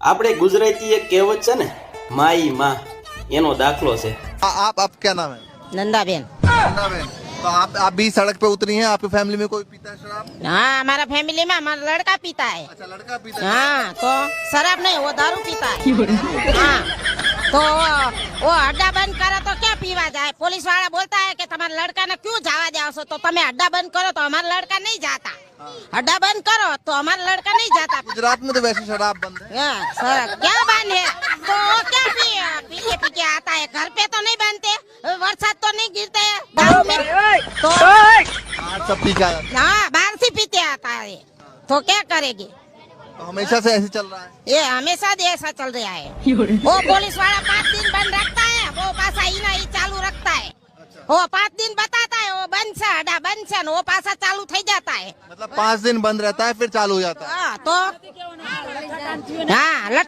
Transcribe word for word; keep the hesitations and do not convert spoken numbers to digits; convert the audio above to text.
આપણે ગુજરાતી એક કહેવત છે ને, માઈ માં, એનો દાખલો છે। आ- आप आप क्या नाम है? नंदाबेन। नंदाबेन। तो आप आप भी सड़क पे उतरी हैं? आपकी फैमिली में कोई पीता है शराब? हाँ, हमारा फैमिली में हमारा लड़का पीता है। अच्छा, लड़का पीता है। हाँ, तो शराब नहीं, वो दारू पीता है। हाँ, तो वो, वो अड्डा बंद करो तो क्या पीवा जाए? पुलिस वाला बोलता है कि तुम्हारे लड़का ने क्यों जावा जाओ सो, तो तुम्हें अड्डा बंद करो तो हमारा लड़का नहीं जाता। अड्डा बंद करो तो हमारा लड़का नहीं जाता। गुजरात में तो वैसे शराब बंद है। हाँ, सर क्या बंद है? तो वो क्या पी पी के पी के आता है? घर पे तो नहीं बनते, बरसात तो नहीं गिरते हैं गाँव में, तो आज सब पी के आया। हाँ बाहर से पीते आता है, तो क्या करेगी? तो हमेशा से ऐसे चल रहा है। ये हमेशा से ऐसा चल रहा है। वो पुलिस वाला पाँच दिन बंद रखता है, वो पासा ही नहीं चालू रखता है। वो पाँच दिन बताता है वो बंद से अड्डा बंद से, वो पासा चालू થઈ जाता है। मतलब पाँच दिन बंद रहता है फिर चालू हो जाता है। हाँ, तो हाँ